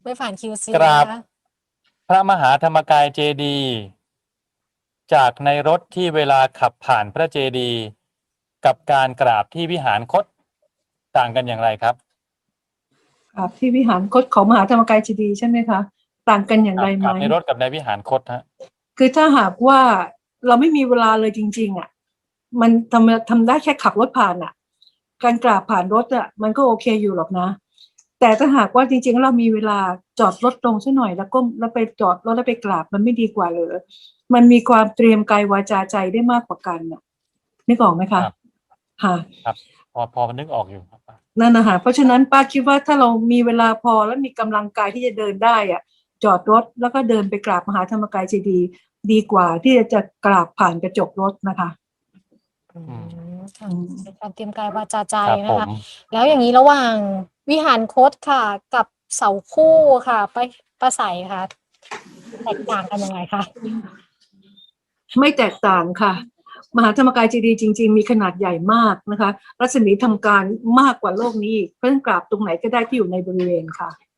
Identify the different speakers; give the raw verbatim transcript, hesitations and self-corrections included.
Speaker 1: ไม่ผ่าน คิว ซี
Speaker 2: กราบ
Speaker 1: นะคะ
Speaker 2: พระมหาธรรมกายเจดีย์จากในรถที่เวลาขับผ่านพระเจดีย์กับการกราบที่วิหารคตต่างกันอย่างไรครับ
Speaker 3: ครับที่วิหารคตของมหาธรรมกายเจดีย์ใช่ไหมคะต่างกันอย่างไรไห
Speaker 2: ก
Speaker 3: ม
Speaker 2: ราบในรถกับในวิหารคตฮะ
Speaker 3: คือถ้าหากว่าเราไม่มีเวลาเลยจริงๆอ่ะมันทำทำได้แค่ขับรถผ่านอ่ะการกราบผ่านรถอ่ะมันก็โอเคอยู่หรอกนะแต่ถ้าหากว่าจริงๆเรามีเวลาจอดรถลงซะหน่อยแล้วก็แล้วไปจอดรถแล้วไปกราบมันไม่ดีกว่าเหรอมันมีความเตรียมกายวาจาใจได้มากกว่ากันน่ะนึกออกไหมคะ
Speaker 2: ครับ
Speaker 3: ค่ะ
Speaker 2: ครับพอพอนึกออกอยู่ครับ
Speaker 3: นั่นนะคะเพราะฉะนั้นป้าคิดว่าถ้าเรามีเวลาพอและมีกำลังกายที่จะเดินได้อ่ะจอดรถแล้วก็เดินไปกราบมหาธรรมกายเจดีย์ดีกว่าที่จะกราบผ่านกระจกรถนะคะ
Speaker 1: อืมค่ะเป็นการเตรียมกายวาจาใจ
Speaker 2: ครับ
Speaker 1: นะ
Speaker 2: ผ
Speaker 1: คะ
Speaker 2: ม
Speaker 1: แล้วอย่างนี้ระหว่างวิหารคตค่ะ กับเสาคู่ค่ะไปประใสค่ะแตกต่างกันยังไงคะ
Speaker 3: ไม่แตกต่างค่ะ มหาธรรมกายเจดีย์จริงๆมีขนาดใหญ่มากนะคะรัศมีทำการมากกว่าโลกนี้อีกเพราะฉะนั้นกราบตรงไหนก็ได้ที่อยู่ในบริเวณค่ะ